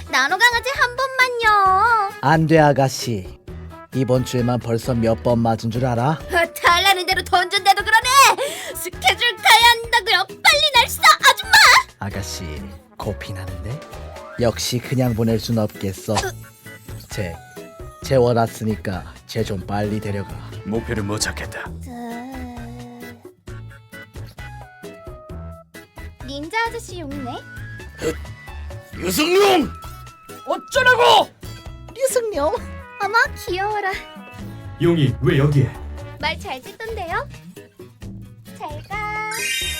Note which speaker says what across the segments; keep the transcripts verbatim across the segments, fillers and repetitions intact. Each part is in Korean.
Speaker 1: 나노 강아지 한 번만요.
Speaker 2: 안 돼 아가씨. 이번 주에만 벌써 몇 번 맞은 줄 알아?
Speaker 1: 아, 달라는 대로 던진대도 그러네. 스케줄 가야 한다고요. 빨리 날 쏴, 아줌마.
Speaker 2: 아가씨 코피 나는데? 역시 그냥 보낼 순 없겠어. 쟤, 쟤 원왔으니까 쟤 좀 빨리 데려가.
Speaker 3: 목표를 못 찾겠다.
Speaker 1: 닌자 아저씨 용이네.
Speaker 3: 유승용! 어쩌라고!
Speaker 2: 류승룡.
Speaker 1: 어머 귀여워라.
Speaker 3: 용이 왜 여기에?
Speaker 1: 말 잘 듣던데요? 잘 가.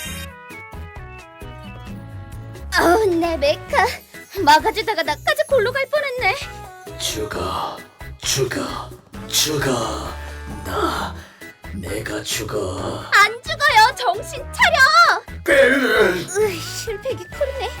Speaker 1: 아우 내 메카 막아주다가 나까지 골로 갈 뻔했네.
Speaker 2: 죽어, 죽어, 죽어. 나, 내가 죽어.
Speaker 1: 안 죽어요. 정신 차려. 으이, 실패기 쿨이네.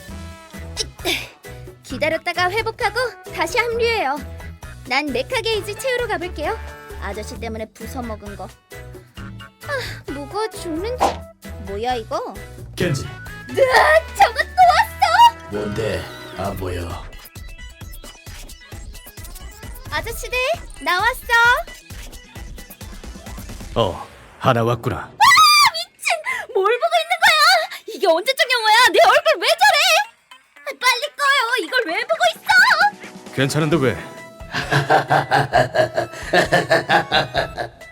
Speaker 1: 기다렸다가 회복하고 다시 합류해요. 난 메카 게이지 채우러 가볼게요. 아저씨 때문에 부숴먹은 거. 아, 뭐가 죽는지. 뭐야 이거?
Speaker 3: 겐지.
Speaker 1: 으아, 저거 또 왔어.
Speaker 2: 뭔데? 안 보여.
Speaker 1: 아저씨들 나왔어.
Speaker 3: 어, 하나 왔구나.
Speaker 1: 미친! 뭘 보고 있는 거야? 이게 언제적 영화야? 내 얼굴 왜 저래? 아, 빨리 꺼요. 이걸 왜 보고 있어?
Speaker 3: 괜찮은데 왜?